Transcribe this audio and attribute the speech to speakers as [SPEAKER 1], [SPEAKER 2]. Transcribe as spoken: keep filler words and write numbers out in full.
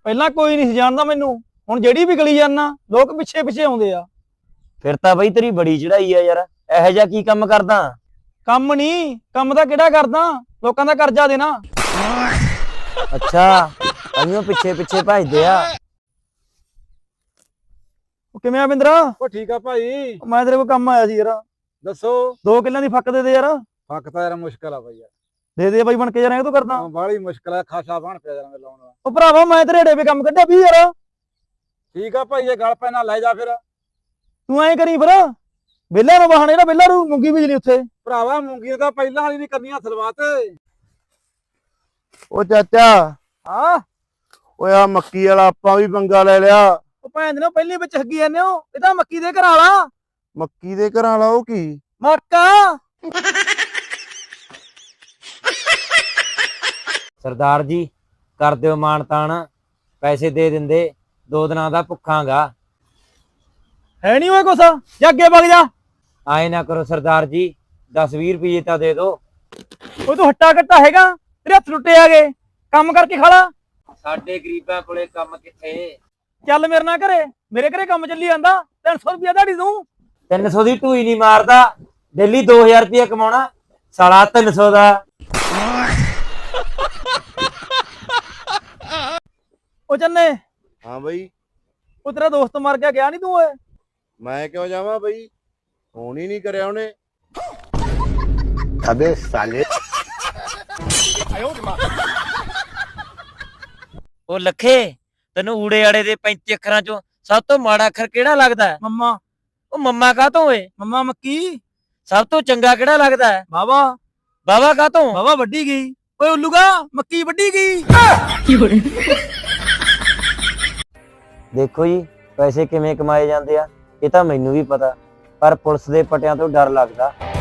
[SPEAKER 1] ਪਹਿਲਾਂ ਕੋਈ ਨਹੀਂ ਸੀ ਜਾਣਦਾ ਮੈਨੂੰ, ਹੁਣ ਜਿਹੜੀ ਵੀ ਗਲੀ ਜਾਣਾ ਲੋਕ ਪਿੱਛੇ ਪਿੱਛੇ ਆਉਂਦੇ ਆ।
[SPEAKER 2] ਫਿਰ ਤਾਂ ਬਈ ਤੇਰੀ ਬੜੀ ਚੜਾਈ ਆ ਯਾਰ, ਇਹੋ ਜਿਹਾ ਕੀ ਕੰਮ ਕਰਦਾ?
[SPEAKER 1] ਕੰਮ ਨਹੀਂ, ਕੰਮ ਤਾਂ ਕਿਹੜਾ ਕਰਦਾ, ਲੋਕਾਂ ਦਾ ਕਰਜ਼ਾ ਦੇਣਾ।
[SPEAKER 2] ਅੱਛਾ, ਅਈਓ ਪਿੱਛੇ ਪਿੱਛੇ ਭੱਜਦੇ ਆ।
[SPEAKER 1] ਉਹ ਕਿਵੇਂ ਆ ਬਿੰਦਰਾ?
[SPEAKER 3] ਉਹ ਠੀਕ ਆ ਭਾਈ।
[SPEAKER 1] ਮੈਂ ਤੇਰੇ ਕੋਲ ਕੰਮ ਆਇਆ ਸੀ ਯਾਰ।
[SPEAKER 3] ਦੱਸੋ।
[SPEAKER 1] ਦੋ ਕਿੱਲਿਆਂ ਦੀ ਫੱਕ ਦੇ ਦੇ ਯਾਰ।
[SPEAKER 3] ਫੱਕ ਤਾਂ ਯਾਰ ਮੁਸ਼ਕਲ ਆ ਬਾਈ ਯਾਰ।
[SPEAKER 1] ਦੇ ਦੇ ਬਾਈ ਬਣ ਕੇ, ਯਾਰ ਐਂ ਤੂੰ ਕਰਦਾ।
[SPEAKER 3] ਬਾਹਲੀ ਮੁਸ਼ਕਲ ਆ, ਖਾਸਾ ਬਣ ਪਿਆ ਯਾਰ ਲਾਉਣ ਦਾ।
[SPEAKER 1] ਉਹ ਭਰਾਵਾ ਮੈਂ ਤੇਰੇ ਡੇ ਵੀ ਕੰਮ ਕੱਢਿਆ ਵੀ ਯਾਰ।
[SPEAKER 3] ਠੀਕ ਆ ਭਾਈ, ਇਹ ਗੱਲ ਪੈਣਾ ਲੈ ਜਾ ਫਿਰ।
[SPEAKER 1] ਤੂੰ ਐਂ ਕਰੀ ਫਿਰ, ਵਿਹਲਿਆਂ ਨੂੰ ਬਹਾਨੇ, ਜਿਹੜਾ ਵਿਹਲਾ ਨੂੰ ਮੂੰਗੀ ਬੀਜਣੀ ਉੱਥੇ।
[SPEAKER 3] ਭਰਾਵਾ ਮੂੰਗੀ ਤਾਂ ਪਹਿਲਾਂ ਵਾਲੀ ਨਹੀਂ ਕਰਨੀਆਂ ਸਲਵਾਤ।
[SPEAKER 4] ਉਹ ਚਾਚਾ,
[SPEAKER 1] ਹਾਂ
[SPEAKER 4] ਓਏ ਆ ਮੱਕੀ ਵਾਲਾ ਆਪਾਂ ਵੀ ਪੰਗਾ ਲੈ ਲਿਆ।
[SPEAKER 1] ਉਹ ਭੈਣ ਦੇ ਨਾ ਪਹਿਲੀ ਵਿੱਚ ਹੱਗੀ ਜਾਂਦੇ ਹੋ, ਇਹ ਤਾਂ ਮੱਕੀ ਦੇ ਘਰ ਵਾਲਾ।
[SPEAKER 4] ਮੱਕੀ ਦੇ ਘਰਾਂ ਵਾਲਾ ਉਹ ਕੀ?
[SPEAKER 1] ਮੱਕਾ।
[SPEAKER 2] ਸਰਦਾਰ ਜੀ ਕਰ ਦਿਓ ਮਾਣ ਤਾਣ, ਪੈਸੇ ਦੇ ਦਿੰਦੇ, ਦੋ ਦਿਨਾਂ ਦਾ ਭੁੱਖਾਂਗਾ।
[SPEAKER 1] ਹੈ ਨਹੀਂ ਓਏ ਕੁਛ, ਜਾ ਅੱਗੇ ਵਗ ਜਾ।
[SPEAKER 2] ਆਏ ਨਾ ਕਰੋ ਸਰਦਾਰ ਜੀ, ਦਸ ਵੀਹ ਰੁਪਏ ਤਾਂ ਦੇ ਦਿਓ।
[SPEAKER 1] ਓਏ ਤੂੰ ਹੱਟਾ ਕੱਟਾ ਹੈਗਾ, ਤੇਰੇ ਹੱਥ ਟੁੱਟੇ ਆਗੇ, ਕੰਮ ਕਰਕੇ ਖਾ ਲਾ।
[SPEAKER 2] ਸਾਡੇ ਗਰੀਬਾਂ ਕੋਲੇ ਕੰਮ ਕਿੱਥੇ?
[SPEAKER 1] ਚੱਲ ਮੇਰੇ ਨਾਲ ਘਰੇ, ਮੇਰੇ ਘਰੇ ਕੰਮ ਚੱਲੀ ਜਾਂਦਾ। ਤਿੰਨ ਸੌ ਰੁਪਇਆ ਦਿਹਾੜੀ ਦੂੰ।
[SPEAKER 2] ਤਿੰਨ ਸੌ ਦੀ ਢੂਈ ਨਹੀਂ ਮਾਰਦਾ, ਡੇਲੀ ਦੋ ਹਜ਼ਾਰ ਰੁਪਏ ਕਮਾਉਣਾ, ਸਾਲਾ ਤਿੰਨ ਸੌ ਦਾ।
[SPEAKER 1] ਉਹ ਚੰਨੇ,
[SPEAKER 4] ਹਾਂ ਬਈ।
[SPEAKER 1] ਉਹ ਤੇਰਾ ਦੋਸਤ ਮਰ ਗਿਆ, ਗਿਆ ਨਹੀਂ ਤੂੰ ਓਏ?
[SPEAKER 4] ਮੈਂ ਕਿਉਂ ਜਾਵਾਂ ਬਈ, ਫੋਨ ਹੀ ਨਹੀਂ ਕਰਿਆ ਉਹਨੇ।
[SPEAKER 5] ਅਬੇ ਸਾਲੇ।
[SPEAKER 2] ਉਹ ਲੱਖੇ, ਤੈਨੂੰ ਊੜੇ ਆੜੇ ਦੇ ਪੈਂਤੀ ਅੱਖਰਾਂ ਚੋਂ ਸਭ ਤੋਂ ਮਾੜਾ ਅੱਖਰ ਕਿਹੜਾ ਲੱਗਦਾ ਹੈ?
[SPEAKER 1] ਮੰਮਾ।
[SPEAKER 2] ਉਹ ਮੰਮਾ ਕਾਹਤੋਂ ਓਏ?
[SPEAKER 1] ਮੰਮਾ ਮੱਕੀ।
[SPEAKER 2] ਸਭ ਤੋਂ ਚੰਗਾ ਕਿਹੜਾ ਲੱਗਦਾ ਹੈ?
[SPEAKER 1] ਬਾਬਾ।
[SPEAKER 2] ਬਾਵਾ ਕਾਹਤੋਂ?
[SPEAKER 1] ਬਾਬਾ ਵੱਡੀ ਗਈ। ਓਏ ਉੱਲੂਗਾ, ਮੱਕੀ ਵੱਡੀ ਗਈ।
[SPEAKER 2] ਦੇਖੋ ਜੀ, ਪੈਸੇ ਕਿਵੇਂ ਕਮਾਏ ਜਾਂਦੇ ਆ ਇਹ ਤਾਂ ਮੈਨੂੰ ਵੀ ਪਤਾ, ਪਰ ਪੁਲਿਸ ਦੇ ਪਟਿਆਂ ਤੋਂ ਡਰ ਲੱਗਦਾ।